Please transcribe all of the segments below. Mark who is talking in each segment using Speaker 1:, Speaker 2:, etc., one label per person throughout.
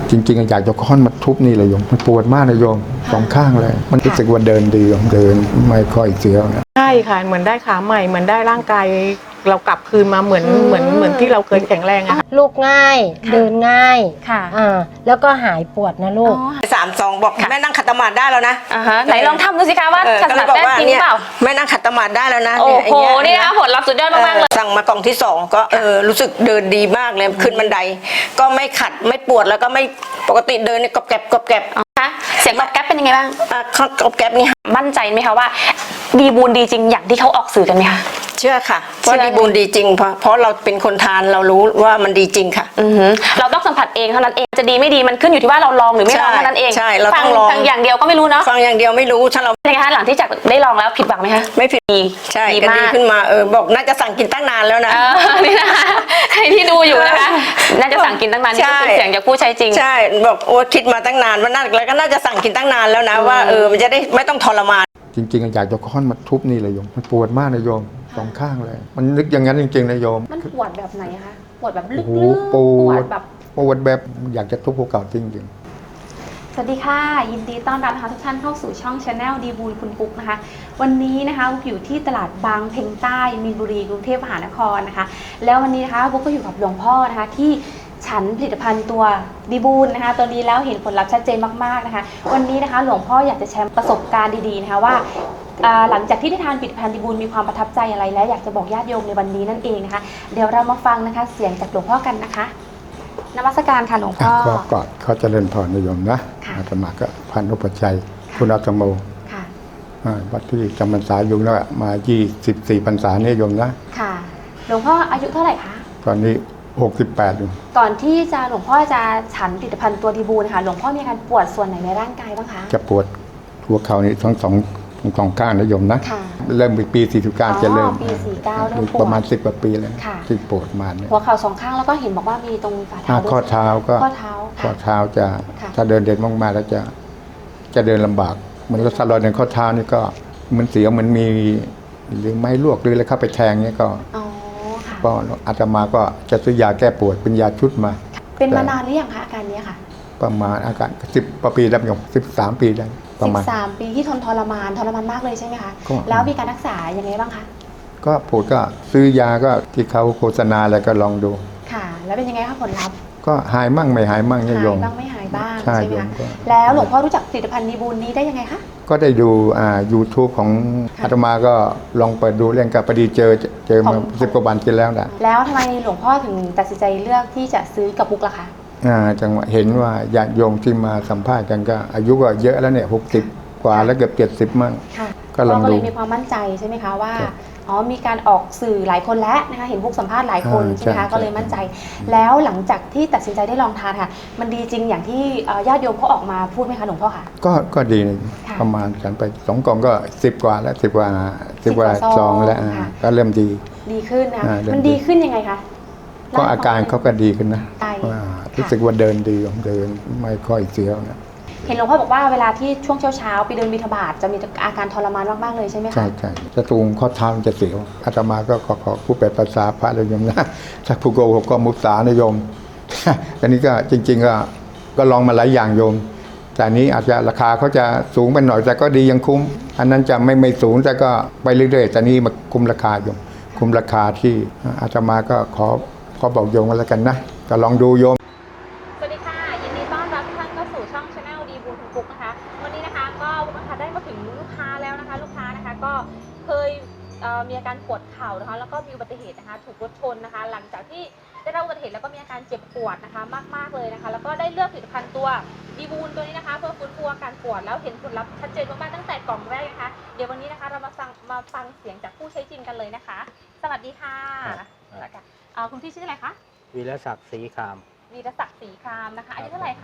Speaker 1: จริงๆอยากจะค้อนมาทุบนี่เลยโยมมันปวดมากนะโยมสองข้างเลยมันรู้สึกว่าเดินดีโยมเดินไม่ค่อยเสียวนะ
Speaker 2: ใช่ค่ะเหมือนได้ขาใหม่เหมือนได้ร่างกายเรากลับคืนมาเหมือนที่เราเคยแข็งแรงอะค่ะ
Speaker 3: ลูกง่ายเดินง่าย
Speaker 4: ค่ะ
Speaker 3: แล้วก็หายปวดนะลูก
Speaker 5: 3-2บอกแม่นั่งขัดสมาธิได้แล้วนะ
Speaker 4: ไหนลองทำดูสิคะว่าขัดสมาธิได้จริงหรือเปล่า
Speaker 5: แม่นั่งขัดสมาธิได้แล้วนะ
Speaker 4: โอ้โหนี่นะคะผลลัพธ์สุดยอดมากๆเลย
Speaker 5: สั่งมากล่องที่2ก็รู้สึกเดินดีมากเลยขึ้นบันไดก็ไม่ขัดไม่ปวดแล้วก็ไม่ปกติเดินเนี่ยกรอบแกรบกรอบแกรบ
Speaker 4: คะเสียงตอบแก๊ปเป็นยังไงบ้าง
Speaker 5: กรอบแกรบนี่
Speaker 4: มั่นใจไหมคะว่าดีบูนดีจริงอย่างที่เขาออกสื่อกันไหมคะ
Speaker 5: เชื่อค่ะว่าดีบูนดีจริงเพราะเราเป็นคนทานเรารู้ว่ามันดีจริงค่ะ
Speaker 4: เราต้องสัมผัสเองเท่านั้นเองจะดีไม่ดีมันขึ้นอยู่ที่ว่าเราลองหรือไม่ลองเท่านั้นเอง
Speaker 5: ใช่เราต้องลอง
Speaker 4: ฟังอย่างเดียวก็ไม่รู้เนาะ
Speaker 5: ฟังอย่างเดียวไม่รู้ถ้าเรา
Speaker 4: เป็นไงคะหลังที่จากได้ลองแล้วผิดหวังไหมคะ
Speaker 5: ไม่ผิด
Speaker 4: ดี
Speaker 5: ใช่
Speaker 4: ดี
Speaker 5: ก็
Speaker 4: มา
Speaker 5: ดี
Speaker 4: ก
Speaker 5: ขึ้นมาบอกน่าจะสั่งกินตั้งนานแล้วนะ
Speaker 4: นี่นะคะใครที่ดูอยู่นะคะน่าจะสั่งกินตั้งนานนี่ก็เป็นเสียงจากผู้ใช้จริง
Speaker 5: ใช่บอกโอ้คิดมาตั้งนานว่าน่าแล้วก็น่าจะสั่งกินตั้งนานแล้วนะว่ามันจะได้ไม่ต้องทรมาน
Speaker 1: จริงๆอยากจะค้อนมาทุบนี่เลยโยมมันปวดมากนะโยมสองข้างเลยมันนึกอย่างนั้นจริงๆนะโยม
Speaker 4: มันปวดแบบไหนคะปวดแบบลึ
Speaker 1: โอ้
Speaker 4: ก
Speaker 1: โห
Speaker 4: ๆ
Speaker 1: ปว
Speaker 4: ด
Speaker 1: ด
Speaker 4: แบบ
Speaker 1: ปวดแบบอยากจะทุบภูเขาจริงๆ
Speaker 6: สวัสดีค่ะยินดีต้อนรับนะคะทุกท่านเข้าสู่ช่อง Channel ดีบูลคุณปุ๊กนะคะวันนี้นะคะบุ๊กอยู่ที่ตลาดบางเพ็งใต้มีนบุรีกรุงเทพมหานครนะคะแล้ววันนี้นะคะบุ๊กก็อยู่กับหลวงพ่อนะคะที่ฉันผลิตภัณฑ์ตัวดีบูลนะคะตัวนี้แล้วเห็นผลลัพธ์ชัดเจนมากๆนะคะวันนี้นะคะหลวงพ่ออยากจะแชร์ประสบการณ์ดีๆนะคะว่าหลังจากที่ได้ทานผลิตภัณฑ์ดีบูลมีความประทับใจอะไรและอยากจะบอกญาติโยมในวันนี้นั่นเองนะคะเดี๋ยวเรามาฟังนะคะเสียงจากหลวงพ่อกันนะคะนมัสการค่ะหลวงพ่อ
Speaker 1: ก็ก่อนเขาเจริญพรนิยมนะ
Speaker 6: ค่ะ
Speaker 1: อาตมาก็พันธุปชชัยคุณอาตโม
Speaker 6: ค่ะ
Speaker 1: วัดที่จำพรรษาอยู่แล้วมา24พรรษาเนี่ยโยมนะ
Speaker 6: ค่ะหลวงพ่ออายุเท่าไหร่คะ
Speaker 1: ตอนนี้68อยู่
Speaker 6: ก่อนที่จะหลวงพ่อจะฉันผลิตภัณฑ์ตัวดีบูนะคะหลวงพ่อมีอาการปวดส่วนไหนในร่างกายบ้างคะ
Speaker 1: จะปวดหัวเข่านี่ทั้งสองข้างนะโยมนะ
Speaker 6: ค่ะ
Speaker 1: เริ่มปี49จะเริ่ม
Speaker 6: ปี49เริ่มปวด
Speaker 1: ประมาณ10กว่าปีแล้ว
Speaker 6: ค่ะ
Speaker 1: ที่ปวดมาเนี่ย
Speaker 6: หัวเข่าสองข้างแล้วก็เห็นบอกว่ามีตรงฝ่าเท้าด้วย
Speaker 1: ข้อเท้าก็
Speaker 6: ข้อเท้า
Speaker 1: ข้อ
Speaker 6: ค่ะ
Speaker 1: เท้าจะ
Speaker 6: ค่ะ
Speaker 1: ถ้าเดินเด่นมากๆแล้วจะเดินลำบากเหมือนรถสลอยในข้อเท้านี่ก็เหมันเสียวเหมือนมีหรือไม้ลวกหรืออะไรเข้าไปแทงเนี่ยก็
Speaker 6: อ๋อค่ะ
Speaker 1: ก็อาตมาก็จะซื้อยาแก้ปวดเป็นยาชุดมา
Speaker 6: เป็นมานานหรือยังคะอาการนี้ค่ะ
Speaker 1: ประมาณอาการ10 ปีแล้วโยม13 ปีได้ประมาณ
Speaker 6: 13 ปีที่ทรมานมากเลยใช่ไหมคะ
Speaker 1: ก็
Speaker 6: แล้วมีการรักษายังไงบ้างคะ
Speaker 1: ก็ปวดก็ซื้อยาก็ที่เขาโฆษณาอะไรก็ลองดู
Speaker 6: ค่ะ แล้วเป็นยังไงคะผลลัพธ์
Speaker 1: ก็หายมั่งไม่หายมั่งเนี่ย
Speaker 6: หาย
Speaker 1: โยม
Speaker 6: บ้างไม่หายบ้าง
Speaker 1: ใช่
Speaker 6: ใช่ไหม
Speaker 1: โยม
Speaker 6: คะ
Speaker 1: ก็
Speaker 6: แล้วหลวงพ่อรู้จักผลิตภัณฑ์ดีบูลนี้ได้ยังไงคะ
Speaker 1: ก็ได้ดูYouTube ของ
Speaker 6: ค่ะ
Speaker 1: อาตมาก็ลองเปิดดูเรื่องกับพอดีเจอมา
Speaker 6: ของ
Speaker 1: 10 กว่าวันกินแล้วนะ
Speaker 6: แล้วทำไมหลวงพ่อถึงตัดสินใจเลือกที่จะซื้อกับบุ๊กล่ะคะ
Speaker 1: จังหวะเห็นว่าญาติโยมที่มาสัมภาษณ์กันก็อายุก็เยอะแล้วเนี่ย60 กว่าแล้วเกือบ70มั่ง
Speaker 6: ค่ะ
Speaker 1: ก็ลองดู
Speaker 6: ก็เลยมีความมั่นใจใช่ไหมคะว่า
Speaker 1: ครับ
Speaker 6: อ๋อมีการออกสื่อหลายคนแล้วนะคะเห็นบุ๊กสัมภาษณ์หลายคน
Speaker 1: อ่า
Speaker 6: ใช่ไหมคะ
Speaker 1: ใช่
Speaker 6: ก็เลยมั่นใจ แล้วหลังจากที่ตัดสินใจได้ลองทานค่ะ มันดีจริงอย่างที่ญาติโยมเขาออกมาพูดไหมคะหลวงพ่อค่ะ
Speaker 1: ก็ดีนะ
Speaker 6: ค่ะ
Speaker 1: ประมาณฉันไป2 กล่องก็10 กว่าแล้ว10 กว่าซองแล้ว
Speaker 6: ค่ะ
Speaker 1: ก็เริ่มดี
Speaker 6: ดีขึ้นนะคะ
Speaker 1: เริ่ม
Speaker 6: มัน
Speaker 1: ดี
Speaker 6: ดีขึ้นยังไงคะ
Speaker 1: ก็อาการเขาก็ดีขึ้นนะ
Speaker 6: ใช่
Speaker 1: ว่ารู้สึกว่าเดินดีเดินไม่ค่อยเสียวนะ
Speaker 6: เห็นหลวงพ่อบอกว่าเวลาที่ช่วงเช้าๆไปเดินบิณฑบาตจะมีอาการทรมานมากๆเลยใช่ไหมคะ
Speaker 1: ใช่จะตรงข้อเท้ามันจะเสียวอาตมาก็ขอผู้แปลภาษาพระเลยโยมนะถ้าผู้โกหกก็มุสานะโยม อันนี้ก็จริง ๆก็ลองมาหลายอย่างโยม แต่อันนี้อาจจะราคาเขาจะสูงไปหน่อยแต่ก็ดียังคุ้ม อันนั้นจะไม่สูงแต่ก็ไปเรื่อยๆแต่นี่มาคุ้มราคาโยมคุ้มราคาที่อาตมาก็ขอบอกโยมกันแล้วกันนะก็ลองดูโยม
Speaker 6: สวัสดีค่ะยินดีต้อนรับทุกท่านเข้าสู่ช่อง Channel ดีบูลคุณปุ๊กนะคะวันนี้นะคะก็บุ๊กนะคะได้มาถึงลูกค้าแล้วนะคะลูกค้านะคะก็เคยมีอาการปวดเข่านะคะแล้วก็มีอุบัติเหตุนะคะถูกรถชนนะคะ หลังจากที่ได้รับอุบัติเหตุแล้วก็มีอาการเจ็บปวดนะคะมากๆเลยนะคะแล้วก็ได้เลือกผลิตภัณฑ์ตัวดีบูลตัวนี้นะคะเพื่อฟื้นฟูอาการปวดแล้วเห็นผลลัพธ์ชัดเจนมากๆตั้งแต่กล่องแรกนะคะเดี๋ยววันนี้นะคะเรามาฟังเสียงจากผู้ใช้จริงกันเลยนะคะ สวัสดีค่ะคุณพี่ชื่ออะไรคะ
Speaker 7: วีรศักดิ์ศรีคาม
Speaker 6: วีรศักดิ์ศรีครามนะคะอายุเท่าไหร่คะ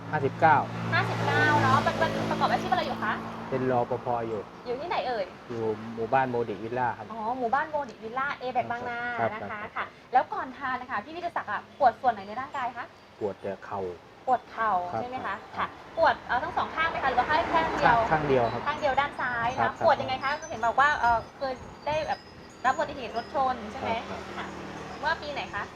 Speaker 7: 59
Speaker 6: 59เนาะเป็นประกอบอาชีพอะไรอยู่คะ
Speaker 7: เป็นรปภอยู่
Speaker 6: อยู่ที่ไหนเอ่ย
Speaker 7: อยู่หมู่บ้านโมดิวิลล่าครับ
Speaker 6: อ๋อ หมู่บ้านโมดิวิลล่าเอแบกบางนา
Speaker 7: ครับ
Speaker 6: นะคะ
Speaker 7: ครับ
Speaker 6: ค่ะ แล้วก่อนทานนะคะพี่วิทยาศักดิ์ปวดส่วนไหนในร่างกายคะ
Speaker 7: ปวดแต่เข่า
Speaker 6: ปวดเข่า
Speaker 7: ครับ
Speaker 6: ใช่ไหม
Speaker 7: ครั
Speaker 6: คะ
Speaker 7: บ
Speaker 6: ค่ะ ปวดทั้งสองข้างไหมคะหรือว่าข้างเดียว
Speaker 7: ข้างเดียวครับ
Speaker 6: ข้างเดียวด้านซ้าย
Speaker 7: ครั
Speaker 6: นะ
Speaker 7: บ
Speaker 6: ปวดยังไงคะเห็นบอกว่าเคยได้แบบรับอุบัติเหตุรถชนใช่ไหม
Speaker 7: ครับ
Speaker 6: ค่ะ เมื่อปีไหนคะ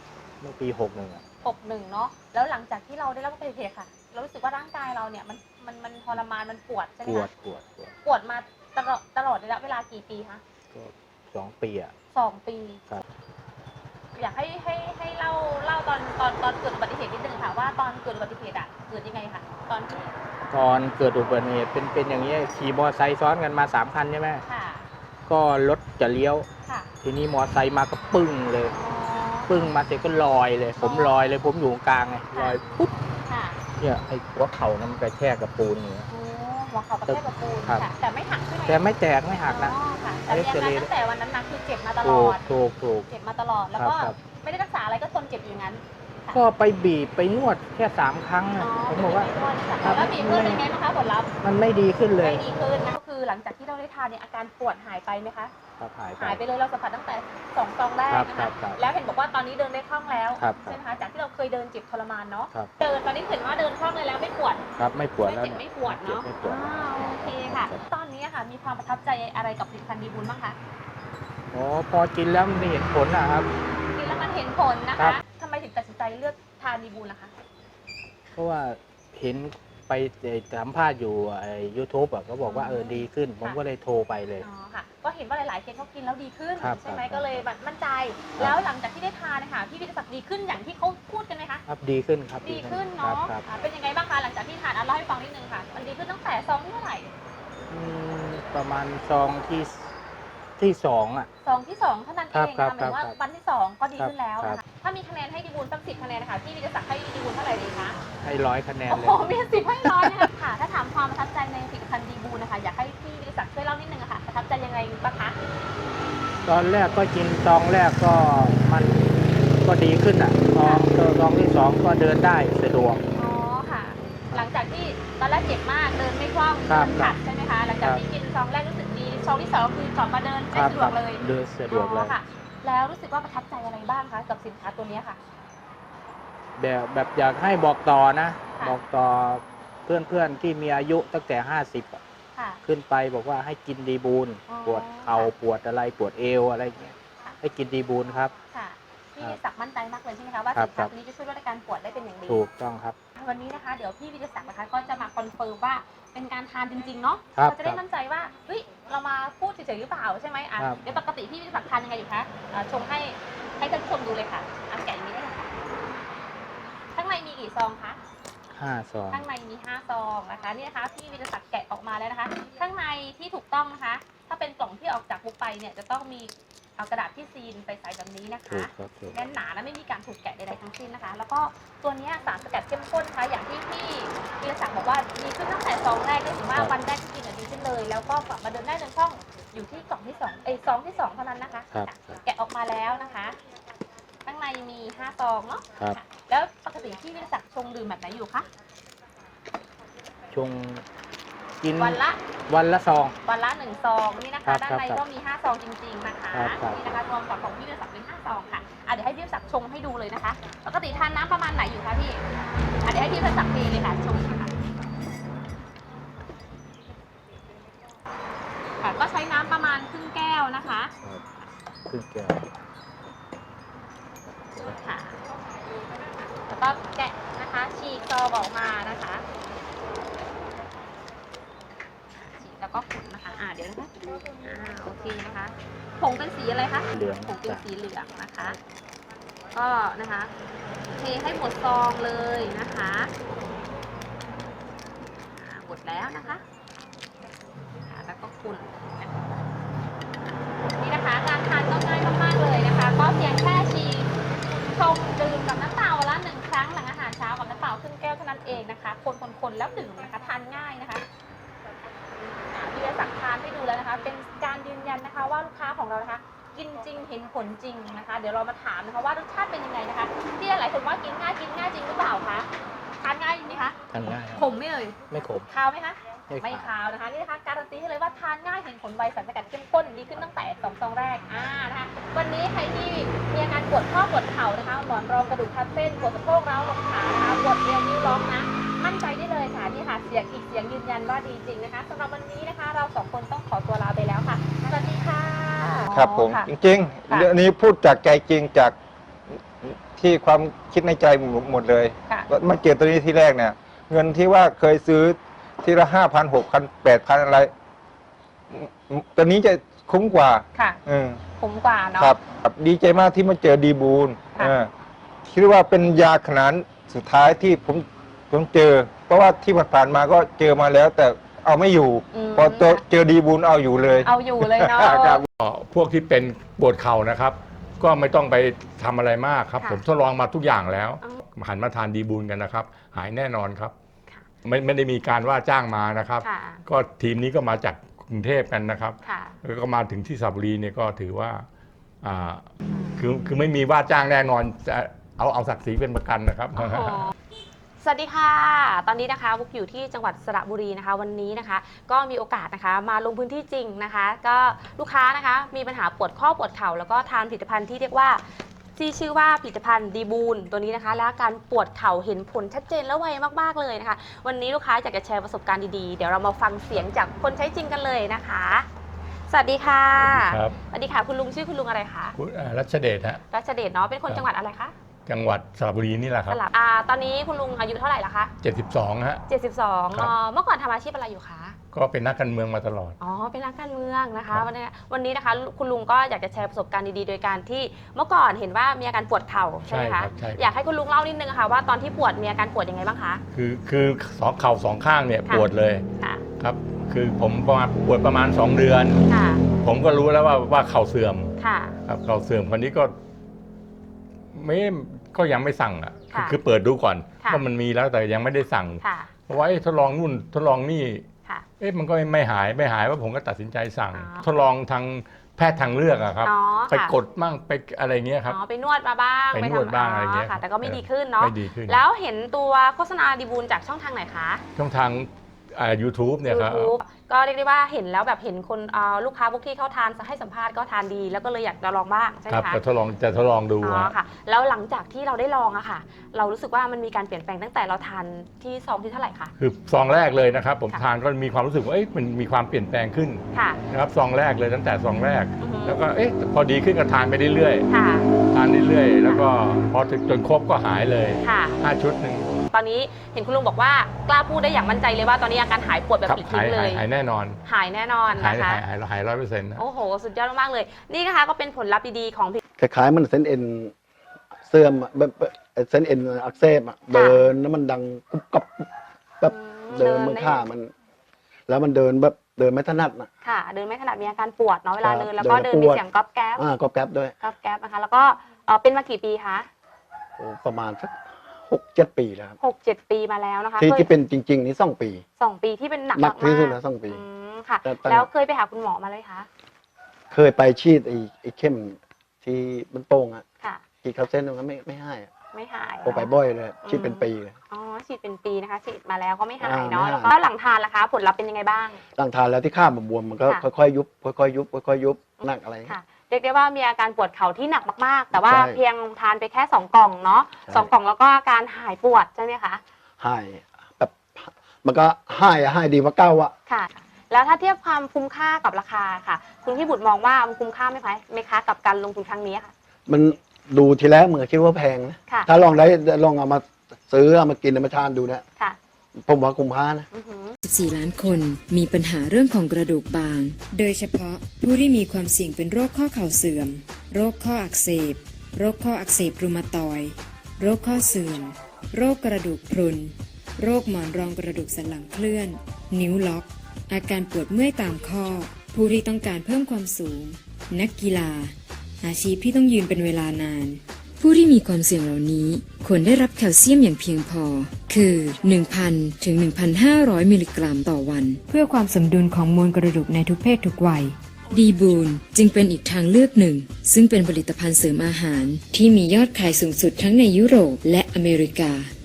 Speaker 7: เมื่อปี61อ่ะ
Speaker 6: 61เนาะแล้วหลังจากที่เราได้รับอุบัติเหตุค่ะ เรารู้สึกว่าร่างกายเราเนี่ยมันทรมานมันปวดใช่ไหม
Speaker 7: ปวด
Speaker 6: คะ
Speaker 7: ปวดปวด
Speaker 6: ปวดมาตลอดระยะเวลากี่ปีคะ
Speaker 7: ก็2 ปีอ่ะ
Speaker 6: 2 ปี
Speaker 7: ครับ
Speaker 6: อยากให้เล่าตอนเกิดอุบัติเหตุนิดนึงค่ะว่าตอนเกิดอุบัติเหตุอะเกิดยังไงคะตอนที่
Speaker 7: ก่อนเกิดอุบัติเหตุเป็นอย่างนี้ขี่มอเตอร์ไซค์ซ้อนกันมา3 คันใช่ไหม
Speaker 6: ค่ะ
Speaker 7: ก็รถจะเลี้ยว
Speaker 6: ค่ะ
Speaker 7: ทีนี้มอเตอร์ไซค์มาก็ปึ้งเลย
Speaker 6: อ๋อ
Speaker 7: ปึ้งมาเสร็จก็ลอยเลย ผมลอยเลยผมอยู่กลางไงลอยปุ๊บ
Speaker 6: ค่ะ
Speaker 7: เนี่ยไอ้หัวเข่านั้นมันกระแทกกับปูนอย่างเงี้ย
Speaker 6: โอ้หัวเข่ากระแทกกับปูน
Speaker 7: ครับ
Speaker 6: ค่ะแต่ไม่หักใช่ไหม
Speaker 7: แต่ไม่แตกไม่หักนะ
Speaker 6: อ๋อค่ะแต่มีอาการตั้งแต่วันนั้นมาคือเจ็บมาตล
Speaker 7: ถู
Speaker 6: อก ด
Speaker 7: ถูก
Speaker 6: เจ็บมาตลอดแล้ว
Speaker 7: ครับ
Speaker 6: ก็
Speaker 7: ครับ
Speaker 6: ไม่ได้รักษาอะไรก็ทนเจ็บอยู่อย่างนั้นค่ะ
Speaker 7: ก็ไปบีบไปนวดแค่3 ครั้ง
Speaker 6: อ๋
Speaker 7: อะ
Speaker 6: อ
Speaker 7: ผมบอกว่า
Speaker 6: แล้วบีบนวดเป็นไงบ้างคะผลลัพธ์
Speaker 7: มันไม่ดีขึ้นเลย
Speaker 6: ไม่ดีขึ้นนะก็คือหลังจากที่เราได้ทานเนี่ยอาการปวดหายไปไหมคะ
Speaker 7: ครับหายไป
Speaker 6: หายไปเลยเราสัมผัสตั้งแต่2 ซองแรกนะ
Speaker 7: ครั
Speaker 6: คะ
Speaker 7: บครับ
Speaker 6: แล้วเห็นบอกว่าตอนนี้เดินได้คล่องแล้ว
Speaker 7: ครับ
Speaker 6: ใช่ไหมคะจากที่เราเคยเดินเจ็บทรมานเนาะ
Speaker 7: ครับ
Speaker 6: เดินตอนนี้เห็นว่าเดินคล่องเลยแล้วไม่ปวด
Speaker 7: ครับไม่ปวด
Speaker 6: ไม่
Speaker 7: แล้ว
Speaker 6: เจ็บ
Speaker 7: เนี่ย
Speaker 6: ไม่ปวดเนาะ
Speaker 7: ไม่ปวด
Speaker 6: โอเคค่ะ ตอนนี้ค่ะมีความประทับใจอะไรกับผลิตภัณฑ์ดีบุญบ้างคะ
Speaker 7: อ๋อพอกินแล้วมันเห็นผลนะครับ
Speaker 6: กินแล้วมันเห็นผลนะ
Speaker 7: ครั
Speaker 6: คะ
Speaker 7: บ
Speaker 6: ทำไมถึงตัดสินใจเลือกทานดีบุญล่ะคะ
Speaker 7: เพราะว่าเห็นไปสัมภาษณ์อยู่YouTube อ่ะก็บอกว่าดีขึ้น ผมก็เลยโทรไปเลย
Speaker 6: อ๋อค่ะก็เห็นว่าหลายๆเคสเขากินแล้วดีขึ้น
Speaker 7: ครับ
Speaker 6: ใช่ไหม
Speaker 7: ครับ
Speaker 6: ก็เลยแบบมั่นใจ แล้วหลังจากที่ได้ทานนะคะพี่วิทยาศักดิ์ดีขึ้นอย่างที่เขาพูดกันไหมคะ
Speaker 7: ครับดีขึ้นครับ
Speaker 6: ดีขึ้น
Speaker 7: ครั
Speaker 6: เนาะ
Speaker 7: ครับ
Speaker 6: เป็นยังไงบ้างคะหลังจากที่ทานเล่าให้ฟังนิดนึงค่ะ มันดีขึ้นตั้งแต่ซองที่เท่าไหร่
Speaker 7: ประมาณซองที่2อ่ะ
Speaker 6: ซองที่2เท่านั้นเอง
Speaker 7: ครั
Speaker 6: นะ
Speaker 7: บ
Speaker 6: คะหมายถึงว่า
Speaker 7: ครับ
Speaker 6: วันที่2ก็ดีขึ้นแล้ว
Speaker 7: ครั
Speaker 6: นะ
Speaker 7: บ
Speaker 6: คะถ้ามีคะแนนให้ดีบุญสัก10 คะแนนนะคะพี่วิทยาศักดิ์ให้ดีบุญเท่าไหร่ดีคะ
Speaker 7: ให้100 คะแนน
Speaker 6: โอ้
Speaker 7: เล
Speaker 6: โห
Speaker 7: ย
Speaker 6: มี10ให้ร้อยนะคะค่ะ ถ้าถามความประทับใจในผลิตภัณฑ์ดีบูนนะคะอยากให้พี่วิทยาศักดิ์ช่วยเล่านิดนึงอะค่ะประทับใจยังไงบ้างคะ
Speaker 7: ตอนแรกก็กินซองแรกก็มันก็ดีขึ้นอ่ะซองที่ 2 ก็เดินได้สะดวก
Speaker 6: อ๋อค่ะ หลังจากที่ตอนแรกเจ็บมากเดินไม่คล่อง
Speaker 7: ครั
Speaker 6: เดิ
Speaker 7: บ
Speaker 6: นขัดใช่ไหมคะหลังจากที่กินซองแรกรู้สึกดีซองที่2คือกลับมาเดินได้สะดวกเลย
Speaker 7: เดินสะดวกเล
Speaker 6: อ๋
Speaker 7: ย
Speaker 6: อค่ะ แล้วรู้สึกว่าประทับใจอะไรบ้างคะกับสินค้าตัวเนี้ยค่ะ
Speaker 7: แบบอยากให้บอกต่อนะ
Speaker 6: ค่ะ
Speaker 7: บอกต่อเพื่อนๆที่มีอายุตั้งแต่50อะ
Speaker 6: ค่ะ
Speaker 7: ขึ้นไปบอกว่าให้กินดีบูล
Speaker 6: อ๋อ
Speaker 7: ปวดเข่าปวดอะไรปวดเอวอะไรอย่างเงี้ย
Speaker 6: ค่ะ
Speaker 7: ให้กินดีบูลครับ
Speaker 6: ค่ะพี่วิทยาศักดิ์มั่นใจมากเลยใช่ไหมคะว่า
Speaker 7: ครั
Speaker 6: สิ
Speaker 7: บ
Speaker 6: นค้าตัวนี้จะช่วยลดอาการปวดได้เป็นอย่างดี
Speaker 7: ถูกต้องครับ
Speaker 6: วันนี้นะคะเดี๋ยวพี่วิทยาศักดิ์นะคะก็จะมาคอนเฟิร์มว่าเป็นการทานจริงๆเนาะ
Speaker 7: ครับ
Speaker 6: เราจะได้มั่นใจว่าเฮ้ยเรามาพูดเฉยๆหรือเปล่าใช่ไหมอ่ะ
Speaker 7: ครับ
Speaker 6: เดี๋ยวปกติพี่วิทยาศักดิ์ทานยังไงอยู่คะชงให้ท่านผู้ชมดูเลยค่ะอ่ะแกะอย่างนี้ได้เลยค่ะข้างในมีกี่ซองคะ
Speaker 7: 5 ซอง
Speaker 6: ข้างในมี5ซองนะคะนี่นะคะพี่วิทยาศักดิ์แกะออกมาแล้วนะคะ ข้างในที่ถูกต้องนะคะ ถ้าเป็นกล่องที่ออกจากบุกไปเนี่ยจะต้องมีเอากระดาษที่ซีนใสๆแบบนี้นะ
Speaker 7: ถู
Speaker 6: คะ
Speaker 7: กครับถูก
Speaker 6: แน่นหนาและไม่มีการถูกแกะใดๆทั้งสิ้นนะคะ แล้วก็ตัวเนี้ยสารสกัดเข้มข้นนะคะอย่างที่พี่วิรศักดิ์บอกว่าดีขึ้นตั้งแต่ซองแรกได้ถึงว่าวันแรกที่กินดีขึ้นเลย แล้วก็กลับมาเดินได้เดินคล่องอยู่ที่กล่องที่2ซองที่2เท่านั้นนะคะ
Speaker 7: ครับ
Speaker 6: แกะออกมาแล้วนะคะ ข้างในมี5ซองเนาะ
Speaker 7: ครับ
Speaker 6: ค่ะแล้วปกติพี่วิรศักดิ์ชงดื่มแบบไหนอยู่คะ
Speaker 7: ชงกิน
Speaker 6: วันละ
Speaker 7: วันละซอง
Speaker 6: วันละ1ซองนี่นะ
Speaker 7: ครั
Speaker 6: คะ
Speaker 7: บ
Speaker 6: ด้านใน
Speaker 7: ครับ
Speaker 6: ก็มี5ซองจริงๆนะคะ
Speaker 7: ครับครับ
Speaker 6: นี่นะคะรวมกับของพี่วิรศักดิ์เป็น5ซองค่ะเดี๋ยวให้พี่วิรศักดิ์ชงให้ดูเลยนะคะ ปกติทานน้ำประมาณไหนอยู่คะพี่เดี๋ยวให้พี่วิรศักดิ์เทเลยค่ะชงค่ะค่ะก็ใช้น้ำประมาณครึ่งแก้วนะคะ
Speaker 7: ครับครึ่งแก้ว
Speaker 6: ค่ะแล้วก็แกะนะคะฉีกซองออกมานะคะฉีกแล้วก็ขุ่นนะคะเดี๋ยวนะคะโอเคนะคะผงเป็นสีอะไรคะ
Speaker 7: เหลือง
Speaker 6: ผงเป็น
Speaker 7: จ้ะ
Speaker 6: สีเหลืองนะคะ ก็นะคะเทให้หมดซองเลยนะคะหมดแล้วนะคะแล้วก็คุณนี่นะคะการทานก็ง่ายมากๆเลยนะคะ ก็เพียงแค่ชีชงดื่มกับน้ำเปล่าวันละ1 ครั้งหลังอาหารเช้ากับน้ำเปล่าครึ่งแก้วเท่านั้นเองนะคะ คนๆแล้วดื่มนะคะทานง่ายนะคะพี่วิทยาศักดิ์ทานให้ดูแล้วนะคะ เป็นการยืนยันนะคะว่าลูกค้าของเรานะคะ กินจริงเห็นผลจริงนะคะ เดี๋ยวเรามาถามนะคะว่ารสชาติเป็นยังไงนะคะ ที่หลายคนว่ากินง่ายจริงหรือเปล่าคะทานง่ายจริงไหมคะ
Speaker 7: ทานง่ายครับ
Speaker 6: ขมไหมเอ่ย
Speaker 7: ไม่ขม
Speaker 6: คาวไหมคะ
Speaker 7: ไม่ขาว
Speaker 6: คาวนะคะนี่นะคะการันตีให้เลยว่าทานง่ายเห็นผลไวสารสกัดเข้มข้นดีขึ้นตั้งแต่2 ซองแรกนะคะวันนี้ใครที่มีอาการปวดข้อปวดเข่านะคะหมอนรองกระดูกทับเส้นปวดสะโพกร้าวลงขานะคะปวดเอวนิ้วล็อกนะมั่นใจได้เลยค่ะนี่ค่ะเสียงอีกเสียงยืนยันว่าดีจริงนะคะสำหรับวันนี้นะคะ เรา2 คนต้องขอตัวลาไปแล้วค่ะสวัสดีค่ะ
Speaker 1: ครับผม
Speaker 6: ค่ะ
Speaker 1: จริง
Speaker 6: ค่ะ
Speaker 1: ๆเรื่องนี้พูดจากใจจริงจากท
Speaker 8: ที่ความคิดในใจหมดเลย
Speaker 6: ค่ะ
Speaker 8: มาเจอตัวนี้ที่แรกเนี่ย เงินที่ว่าเคยซื้อทีละ5,000 6,000 8,000อะไรตัวนี้จะคุ้มกว่า
Speaker 6: ค่ะ
Speaker 8: อืม
Speaker 6: คุ้มกว่าเนาะ
Speaker 8: ครับดีใจมากที่มาเจอดีบูล
Speaker 6: ค่ะ
Speaker 8: คิดว่าเป็นยาขนาดสุดท้ายที่ผมเจอ เพราะว่าที่ผ่านๆมาก็เจอมาแล้ว แต่เอาไม่อยู่ พอเจอดีบูลเอาอยู่เลย
Speaker 6: เอาอยู่เลยเนาะ
Speaker 8: ครับ
Speaker 9: พวกที่เป็นปวดเข่านะครับ ก็ไม่ต้องไปทำอะไรมากครับ
Speaker 6: ค่ะ
Speaker 9: ผมทดลองมาทุกอย่างแล้ว
Speaker 6: อ๋
Speaker 9: หันมาทานดีบูลกันนะครับ หายแน่นอนครับ
Speaker 6: ค่ะ
Speaker 9: ไม่ได้มีการว่าจ้างมานะครับ
Speaker 6: ค่ะ
Speaker 9: ก็ทีมนี้ก็มาจากกรุงเทพกันนะครับ
Speaker 6: ค่ะ
Speaker 9: แล้วก็มาถึงที่สระบุรีเนี่ยก็ถือว่าคือไม่มีว่าจ้างแน่นอนจะเอาศักดิ์ศรีเป็นประกันนะครับ
Speaker 6: โอ้โหสวัสดีค่ะ ตอนนี้นะคะวุกอยู่ที่จังหวัดสระบุรีนะคะ วันนี้นะคะ ก็มีโอกาสนะคะ มาลงพื้นที่จริงนะคะ ก็ลูกค้านะคะ มีปัญหาปวดข้อปวดเข่าแล้วก็ทานผลิตภัณฑ์ที่เรียกว่าที่ชื่อว่าผลิตภัณฑ์ดีบูลตัวนี้นะคะ และอาการปวดเข่าเห็นผลชัดเจนและไวมากๆเลยนะคะ วันนี้ลูกค้าอยากจะแชร์ประสบการณ์ดีๆเดี๋ยวเรามาฟังเสียงจากคนใช้จริงกันเลยนะคะ สวัสดีค่ะ
Speaker 9: ครับ
Speaker 6: สวัสดีค่ะคุณลุงชื่อคุณลุงอะไรคะ
Speaker 9: คุณรัชเดชฮะ
Speaker 6: รัชเดชเนาะเป็นคนจังหวัดอะไรคะ
Speaker 9: จังหวัดสระบุรีนี่แหละค
Speaker 6: ส
Speaker 9: รับ
Speaker 6: ลับตอนนี้คุณลุงอายุเท่าไหร่ละคะ
Speaker 9: 72ฮะ
Speaker 6: 72
Speaker 9: ครับ
Speaker 6: เมื่อก่อนทำอาชีพอะไรอยู่คะ
Speaker 9: ก็เป็นนักการเมืองมาตลอด
Speaker 6: อ๋อ เป็นนักการเมืองนะคะ
Speaker 9: ครับ
Speaker 6: วันนี้นะคะ คุณลุงก็อยากจะแชร์ประสบการณ์ดีๆ โดยการที่เมื่อก่อนเห็นว่ามีอาการปวดเข่าใช่ไหมคะ
Speaker 9: ใช่ครับ
Speaker 6: อยากให้คุณลุงเล่านิดนึงค่ะว่าตอนที่ปวดมีอาการปวดยังไงบ้างคะ
Speaker 9: คือเข่าสองข้างเนี่ย
Speaker 6: ค่ะ
Speaker 9: ปวดเลย
Speaker 6: ค่ะ
Speaker 9: ครับ คือผมปวดประมาณ2 เดือน
Speaker 6: ค่ะ
Speaker 9: ผมก็รู้แล้วว่าเข่าเสื่อม
Speaker 6: ค่ะ
Speaker 9: ครับเข่าเสื่อมคนนี้ก็ยังไม่สั่งอ่ะ
Speaker 6: ค่ะ
Speaker 9: คือเปิดดูก่อน
Speaker 6: ค่ะ
Speaker 9: ว่ามันมีแล้วแต่ยังไม่ได้สั่ง
Speaker 6: ค่ะ
Speaker 9: เพราะว่าทดลองนู่นทดลองนี่
Speaker 6: ค่ะ
Speaker 9: มันก็ไม่หายว่าผมก็ตัดสินใจสั่ง
Speaker 6: อ๋อ
Speaker 9: ทดลองทางแพทย์ทางเลือกอะครับ
Speaker 6: อ๋อ
Speaker 9: ไป
Speaker 6: ค่ะ
Speaker 9: กดมั่งไปอะไรเงี้ยครับ
Speaker 6: อ๋อ ไปนวดมาบ้าง
Speaker 9: ไปนวดบ้างอะไรเงี้ย
Speaker 6: ค่ะ แต่ก็ไม่ดีขึ้นเนาะ
Speaker 9: ไม่ดีขึ้น
Speaker 6: แล้วเห็นตัวโฆษณาดีบูลจากช่องทางไหนคะ
Speaker 9: ช่องทางYouTube เนี่ยครับ
Speaker 6: YouTube ก็เรียกได้ว่าเห็นแล้วแบบเห็นคนลูกค้าพวกที่เขาทานให้สัมภาษณ์ก็ทานดี แล้วก็เลยอยากจะลองบ้างใช่ไห
Speaker 9: ค
Speaker 6: ม
Speaker 9: รับ
Speaker 6: คะ
Speaker 9: จะทดลองดู
Speaker 6: อ๋อ
Speaker 9: ฮะ
Speaker 6: ค่ะ แล้วหลังจากที่เราได้ลองอะค่ะ เรารู้สึกว่ามันมีการเปลี่ยนแปลงตั้งแต่เราทานที่ซองที่เท่าไหร่คะ
Speaker 9: คือซองแรกเลยนะครับ ผม
Speaker 6: ค่ะ
Speaker 9: ทานก็มีความรู้สึกว่ามันมีความเปลี่ยนแปลงขึ้น
Speaker 6: ค่ะ
Speaker 9: นะครับซองแรกเลยตั้งแต่ซองแรก
Speaker 6: อือฮึ
Speaker 9: แล้วก็พอดีขึ้นก็ทานไปเรื่อย
Speaker 6: ค่ะ
Speaker 9: ๆทานเรื่อยๆแล้วก็พอถึงจนครบก็หายเลย
Speaker 6: ค่ะ
Speaker 9: 5 ชุดหนึ่ง
Speaker 6: ตอนนี้เห็นคุณลุงบอกว่ากล้าพูดได้อย่างมั่นใจเลยว่าตอนนี้อาการหายปวดแบบ
Speaker 9: ครับ
Speaker 6: ปลิดทิ้งเลย
Speaker 9: หายแน่นอน
Speaker 6: หายแน่นอน
Speaker 9: หาย
Speaker 6: นะคะ
Speaker 9: 100%นะ
Speaker 6: โอ้โห สุดยอดมากๆเลย นี่นะคะก็เป็นผลลัพธ์ดีๆของผลิต
Speaker 10: คล้ายๆมันเส้นเอ็นเสื่อมอะแบบเส้นเอ็นอักเสบอะเดินแล้วมันดังกุบกับแบบเดินมือข้ามัน แล้วมันเดินแบบเดินไม่ถนัดนะ
Speaker 6: ค่ะ เดินไม่ถนัดมีอาการปวดเนาะเวลา
Speaker 10: ครับ
Speaker 6: เดินแล้วก็
Speaker 10: เดิ
Speaker 6: เดิ
Speaker 10: น
Speaker 6: น
Speaker 10: แล้วปวด
Speaker 6: มีเสียงก๊อบแก๊บ
Speaker 10: ก็แก๊บด้วย
Speaker 6: ก๊อบแก๊บนะคะ แล้วก็เป็นมากี่ปีคะ
Speaker 10: โอ้ประมาณสัก6-7 ปีแล้วครับ
Speaker 6: 6-7 ปีมาแล้วนะคะ
Speaker 10: ที่
Speaker 6: เคย
Speaker 10: ที่เป็นจริง ๆ นี่2 ปี
Speaker 6: 2 ปีที่เป็นหนัก
Speaker 10: หนักที่สุด
Speaker 6: มา
Speaker 10: แล้ว2 ปี
Speaker 6: ค่ะ
Speaker 10: แต่ตอน
Speaker 6: แล้วเคยไปหาคุณหมอมาเลยคะ
Speaker 10: เคยไปฉีดไอ้เข้มที่มันโป่งอะ
Speaker 6: ค่ะ
Speaker 10: ฉีดเข้าเส้นตรงนั้นไม่ให้อะ
Speaker 6: ไม่หาย
Speaker 10: โอไปบ่อยเลยฉีดเป็นปีเลย
Speaker 6: อ๋อฉีดเป็นปีนะคะฉีดมาแล้วก็ไม่หาย
Speaker 10: ไม่
Speaker 6: เนาะ
Speaker 10: หาย
Speaker 6: แล้วก็หลังทานล่ะคะ ผลลัพธ์เป็นยังไงบ้าง
Speaker 10: หลังทานแล้วที่ข้ามันบวมมันก็
Speaker 6: ค่ะ
Speaker 10: ค่อยๆยุบค่อยๆยุบค่อยๆยุบหนักอะไร
Speaker 6: ค่ะ เรียกได้ว่ามีอาการปวดเข่าที่หนักมากๆ แต่ว่า
Speaker 10: ใช่
Speaker 6: เพียงทานไปแค่2 กล่องเนาะ
Speaker 10: ใช่
Speaker 6: 2 กล่องแล้วก็อาการหายปวดใช่ไหมคะ
Speaker 10: หายแบบมันก็หายดีกว่าเก้าอะ
Speaker 6: ค่ะ แล้วถ้าเทียบความคุ้มค่ากับราคาค่ะ คุณพี่บุตรมองว่ามันคุ้มค่าไหมคะกับการลงทุนครั้งนี้ค่ะ
Speaker 10: มันดูทีแรกเหมือนคิดว่าแพงนะ
Speaker 6: ค่ะ
Speaker 10: ถ้าลองเอามาซื้อเอามากินเอามาทานดูนะ
Speaker 6: ค่ะ
Speaker 10: ผมว่าคุ้มค่านะ
Speaker 6: อือหือ
Speaker 11: 14 ล้านคนมีปัญหาเรื่องของกระดูกบาง โดยเฉพาะผู้ที่มีความเสี่ยงเป็นโรคข้อเข่าเสื่อม โรคข้ออักเสบ โรคข้ออักเสบรูมาตอยด์โรคข้อเสื่อม โรคกระดูกพรุน โรคหมอนรองกระดูกสันหลังเคลื่อน นิ้วล็อก อาการปวดเมื่อยตามข้อ ผู้ที่ต้องการเพิ่มความสูง นักกีฬา อาชีพที่ต้องยืนเป็นเวลานาน ผู้ที่มีความเสี่ยงเหล่านี้ควรได้รับแคลเซียมอย่างเพียงพอ คือ 1,000 ถึง 1,500 มิลลิกรัมต่อวัน เพื่อความสมดุลของมวลกระดูกในทุกเพศทุกวัย ดีบูนจึงเป็นอีกทางเลือกหนึ่ง ซึ่งเป็นผลิตภัณฑ์เสริมอาหารที่มียอดขายสูงสุดทั้งในยุโรปและอเมริกา